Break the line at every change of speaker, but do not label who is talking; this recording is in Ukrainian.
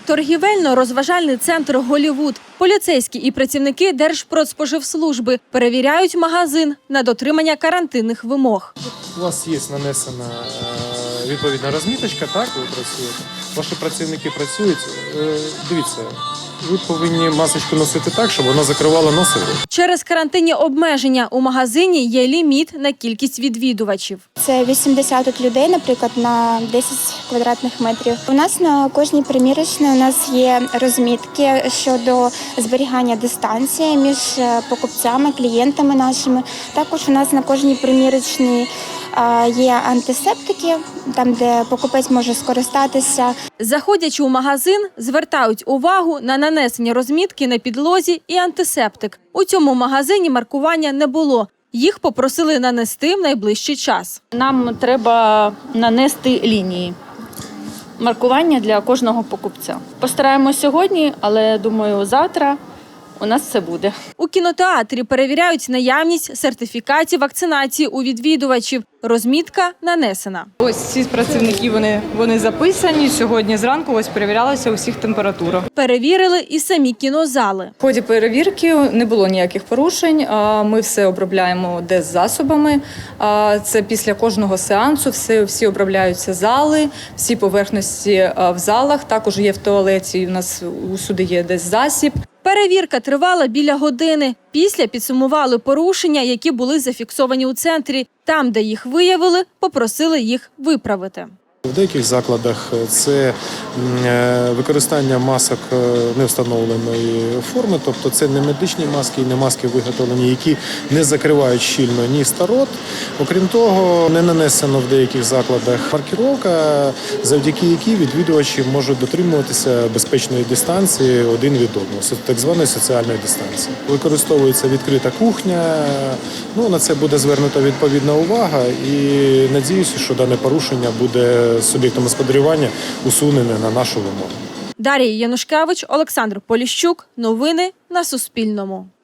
Торгівельно-розважальний центр «Голлівуд». Поліцейські і працівники Держпродспоживслужби перевіряють магазин на дотримання карантинних вимог.
У вас є нанесена відповідна розміточка, так, ви працюєте. Ваші працівники працюють. Дивіться, ви повинні масочку носити так, щоб вона закривала носи.
Через карантинні обмеження у магазині є ліміт на кількість відвідувачів.
Це 80 людей, наприклад, на 10 квадратних метрів. У нас на кожній примірочній у нас є розмітки щодо зберігання дистанції між покупцями, клієнтами нашими. Також у нас на кожній примірочній є антисептики, там, де покупець може скористатися.
Заходячи у магазин, звертають увагу на нанесення розмітки на підлозі і антисептик. У цьому магазині маркування не було. Їх попросили нанести в найближчий час.
Нам треба нанести лінії маркування для кожного покупця. Постараємось сьогодні, але, думаю, завтра у нас це буде.
У кінотеатрі перевіряють наявність сертифікатів вакцинації у відвідувачів. Розмітка нанесена.
Ось ці працівники, вони записані. Сьогодні зранку ось перевірялася усіх температура.
Перевірили і самі кінозали.
В ході перевірки не було ніяких порушень. Ми все обробляємо деззасобами. Це після кожного сеансу всі обробляються зали, всі поверхності в залах. Також є в туалеті, у нас усюди є деззасіб.
Перевірка тривала біля години. Після підсумували порушення, які були зафіксовані у центрі. Там, де їх виявили, попросили їх виправити.
В деяких закладах це використання масок невстановленої форми, тобто це не медичні маски і не маски виготовлені, які не закривають щільно ніс та рот. Окрім того, не нанесено в деяких закладах маркіровка, завдяки якій відвідувачі можуть дотримуватися безпечної дистанції один від одного, так званої соціальної дистанції. Використовується відкрита кухня, на це буде звернута відповідна увага і надіюся, що дане порушення буде суб'єктом господарювання усунене на нашу вимогу.
Дар'я Янушкевич, Олександр Поліщук. Новини на Суспільному.